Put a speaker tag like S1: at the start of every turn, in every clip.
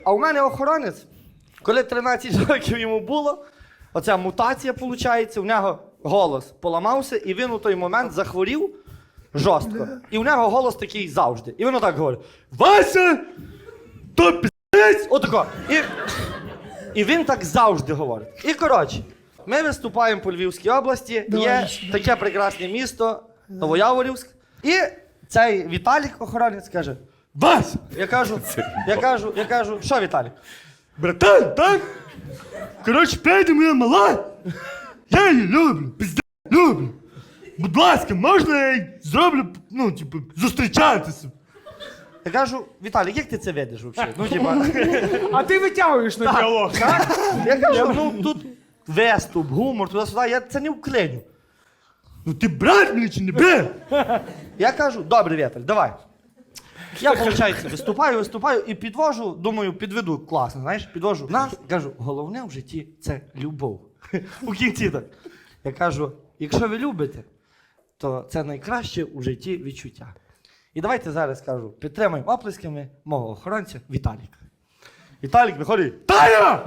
S1: А у мене охоронець, коли 13 років йому було, оця мутація, виходить, у нього голос поламався, і він у той момент захворів жорстко. І у нього голос такий завжди. І він отак говорить: Вася! То піздець! Отако. І він так завжди говорить. І коротше, ми виступаємо по Львівській області, є таке прекрасне місто Новояворівськ. І цей Віталік, охоронець, каже: Вася! Я кажу, що Віталік? Братан, так? Коротше, прийде моя мала. Я її люблю, пізда, люблю. Будь ласка, можна я їй зроблю, ну, типу, зустрічатися? Я кажу: Віталік, як ти це ведеш взагалі? Ну, типа...
S2: А ти витягуєш на діалог, так?
S1: Я кажу, ну, тут веступ, гумор, туди-сюди, я це не вклиню. Ну, ти брат мені чи не брат? Я кажу: добре, Віталь, давай. Я, виходить, виступаю і підвожу, думаю, підведу класно, знаєш, підвожу нас, кажу: головне в житті – це любов. У кінці так. Я кажу: якщо ви любите, то це найкраще у житті відчуття. І давайте зараз кажу, підтримаємо оплесками мого охоронця Віталіка. Віталік виходить: Таня!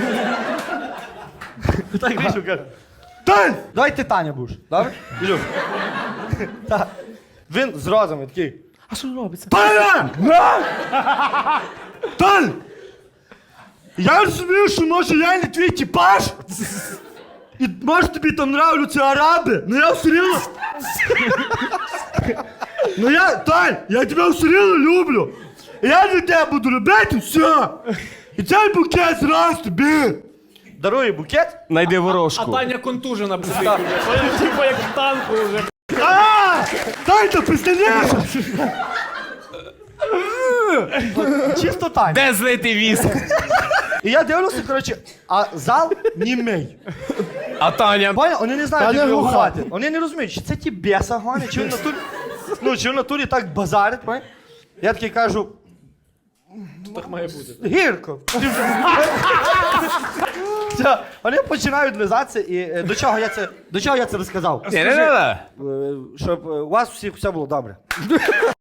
S1: Так вийшов, каже: Тань! Давай ти Таня будеш, добре? Ілюх. Так. Він з розумом такий:
S2: А що робиться?
S1: Таня! Тань! Я розумію, що може я не твій типаж, і може тобі там нравляться араби, но я все рівно... Ну я, Тань, я тебе все рівно люблю. І я для тебе буду робити все. І цей букет зразу тобі. Дарує букет.
S3: Найди
S2: А
S3: ворожку.
S2: Таня контужена буде. Типа як в танку вже.
S1: Тань, то пизденеш! Чисто Таня.
S3: Де злити віск?
S1: І я дивлюся, коротше, а зал німей.
S3: А Таня?
S1: Понял? Вони не знають,
S2: Таня
S1: як
S2: глуха.
S1: реагувати. Вони не розуміють, чи це ті беса гонять, чи в натурі, ну, чи в натурі так базарить, понял? Я такий кажу:
S2: Так має бути.
S1: гірко. Все, вони починають лизатися, і до чого я це розказав?
S3: Не.
S1: Щоб у вас всіх все було добре.